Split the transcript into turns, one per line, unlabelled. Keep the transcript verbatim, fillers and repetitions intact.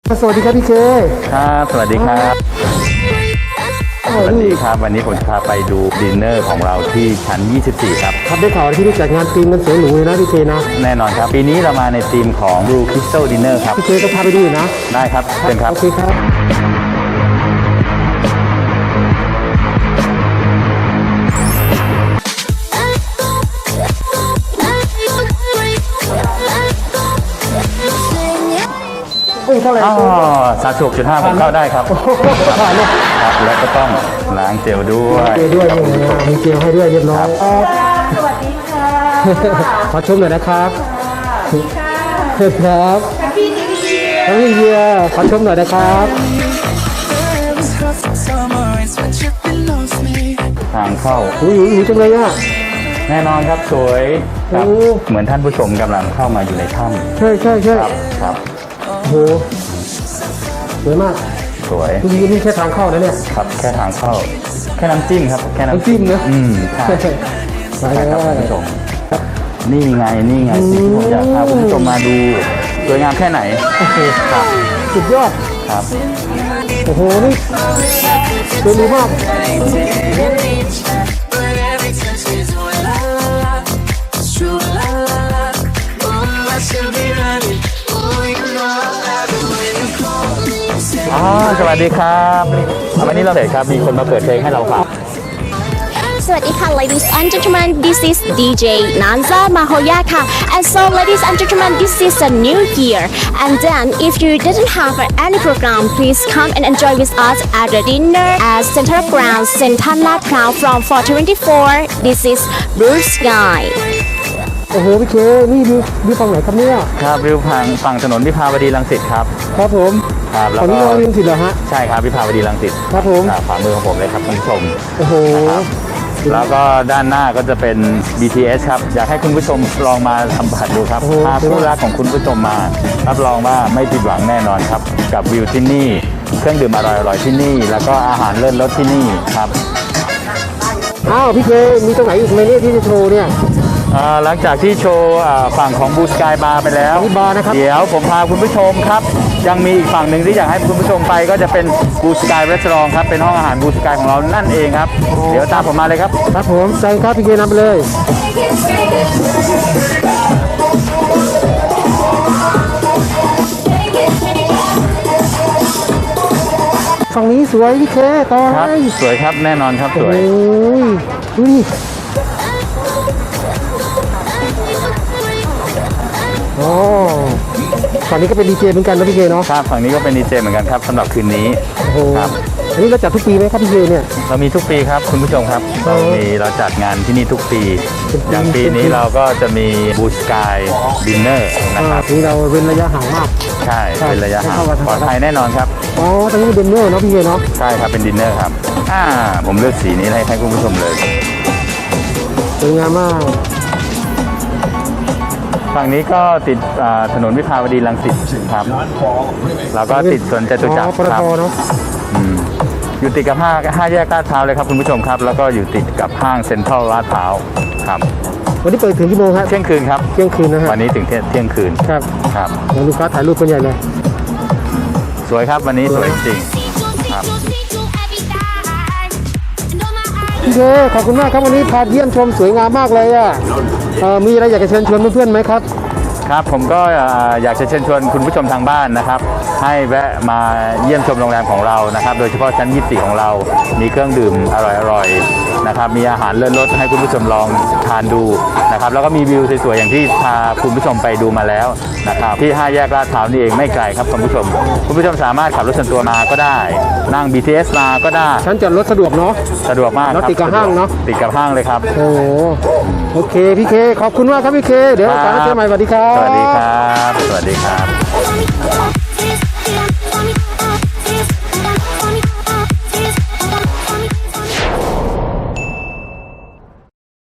สวัสดีครับพี่เค
ครับสวัสดีครับสวัสดีครับวันนี้ผมจะพาไปดูดินเนอร์ของเราที่ชั้นยี่สิบสี่ครับ
ครับได้ข่าวที่ได้จัดงานธีมมันสวยหรูเลยนะพี่เคนะ
แน่นอนครับปีนี้เรามาในธีมของ Blue Crystal Dinner ครับ
พี่เคก็พาไปดูนะ
ได้ครับเชิญครับ
โอเคครับเท่าไหร่
อ๋อสามสิบหกจุดห้าผมเข้าได้ครับครับแล้วก็ต้องล้างเจลด้วย
เจลด้วยมีเจลให้ด้วยเรียบร้อย
สวัสดีค่ะ
ขอชมหน่อยนะครับครับ
พี่นิวเยียร์
พี่เยียร์ขอชมหน่อยนะครับ
ทางเข้า
อุ้ยอุ้ยจังเลยอ่ะ
แน่นอนครับสวยครับเหมือนท่านผู้ชมกำลังเข้ามาอยู่ในถ้
ำใช่ใช่ใช่
ครับครับ
โหสวยมาก
สวย
จริงๆนี่แค่ทางเข้านะเนี่ย
ครับแค่ทางเข้าแค่น้ำจิ้มครับแค่น้ำ
จิ้มนะ
อืมใช่ใช่ครับคุณผู้ชมนี่ไงนี่ไงที่ผมอยากพาคุณผู้ชมมาดูสวยงามแค่ไหนครับ
สุดยอด
ครับ
โอ้โหนี่สวยมาก
อ๋อสวัสดีครับวันนี้เราเห็นครับมีคนมาเปิดเพลงให้เราฟัง
สวัสดีค่ะ ladies and gentlemen this is ดี เจ Nanza Mahoya ค่ะ and so ladies and gentlemen this is a new year and then if you didn't have any program please come and enjoy with us at the dinner at Central Ground Central Lad Phrao from four twenty-four this is Blue Sky
โอ้โหพี่เคนี่ดูดูฝั่งไหนครับเนี่ย
ครับวิวฝั่งฝั่งถนนวิภาวดีรังสิตครับ
ครับผม
ครับ
แล้วก็ฝั่งนี้รังสิตเหรอฮะ
ใช่ครับวิภาวดีรังสิต
ครับผม
ขวามือของผมเลยครับคุณผู้ชม
โอ้โห
แล้วก็ด้านหน้าก็จะเป็น บี ที เอส ครับอยากให้คุณผู้ชมลองมาสัมผัสดูครับพาผู้รักของคุณผู้ชมมารับรองว่าไม่ผิดหวังแน่นอนครับกับวิวที่นี่เครื่องดื่มอร่อยๆที่นี่แล้วก็อาหารเลิศรสที่นี่ครับ
อ้าวพี่เคมีตรงไหนอีกไหมเนี่ยที่จะโชว์เนี่ย
หลังจากที่โชว์ฝั่งของบูสกายบาร์ไปแล้วเดี๋ยวผมพาคุณผู้ชมครับยังมีอีกฝั่งหนึ่งที่อยากให้คุณผู้ชมไปก็จะเป็นบูสกายรีสอร์ทครับเป็นห้องอาหารบูสกายของเรานั่นเองครับเดี๋ยวตามผมมาเลยครับ
ครับผมใจครับพี่เคนำไปเลยฝั่งนี้สวยพี่เคต่อ
ครับสวยครับแน่นอนครับสวย
ดูดิโอ้ฝั่งนี้ก็เป็นดีเจเหมือนกันนะพี่เคเนาะ
ครับฝั่งนี้ก็เป็นดีเจเหมือนกันครับสำหรับคืนนี้
โอ้ครับอันนี้เราจัดทุกปีไหมครับพี่เคเนี่ย
เรามีทุกปีครับคุณผู้ชมครับเรามีเราจัดงานที่นี่ทุกปีอย่างปีนี้เราก็จะมีบูสกายดินเนอร์นะครับ
นี่เราเว้นระยะห่างมาก
ใช่เป็นระยะห่างปลอดภัยแน่นอนครับ
อ๋อตรงนี้เป็นดินเนอร์เนาะพี่เคเนาะ
ใช่ครับเป็นดินเนอร์ครับอ่าผมเลือกสีนี้ให้ให้คุณผู้ชมเลย
สวยงามมาก
ฝั่งนี้ก็ติดถนนวิภาวดีรังสิตครับแล้วก็ติดสวนจตุจักรครับอยู่ติดกับห้าห้าแยกลาดพร้าวเลยครับคุณผู้ชมครับแล้วก็อยู่ติดกับห้างเซ็นทรัลลาดพร้าวครับ
วันนี้เปิดถึงกี่โมงครับ
เที่ยงคืนครับ
เที่ยงคืนนะฮะ
วันนี้ถึงเที่ยงคืน
ครับ
ครับ
ลูกค้าถ่ายรูปกันใหญ่เลย
สวยครับวันนี้สวยจริงครับ
พี่เคขอบคุณมากครับวันนี้พาเยี่ยมชมสวยงามมากเลยอ่ะมีอะไรอยากจะเชิญชวนเพื่อนๆไหมครับ
ครับผมก็อยากจะเชิญชวนคุณผู้ชมทางบ้านนะครับให้แวะมาเยี่ยมชมโรงแรมของเรานะครับโดยเฉพาะชั้นยี่สิบสี่ของเรามีเครื่องดื่มอร่อยๆนะครับมีอาหารเลิศรสให้คุณผู้ชมลองทานดูนะครับแล้วก็มีวิวสวยๆอย่างที่พาคุณผู้ชมไปดูมาแล้วนะครับที่ห้าแยกลาดพร้าวนี่เองไม่ไกลครับคุณผู้ชมคุณผู้ชมสามารถขับรถส่วนตัวมาก็ได้นั่ง บี ที เอส มาก็ได้
ชั้นจอดรถสะดวกเนาะ
สะดวกมาก
ครับติดกับห้างเนาะ
ติดกับห้างเลยครับ
โอ้โอเคพี่เคขอบคุณมากครับพี่เคเดี๋ยวกลับมาเจอใหม่สวัสดีครับ
สวัสดีครับสวัสดีครับ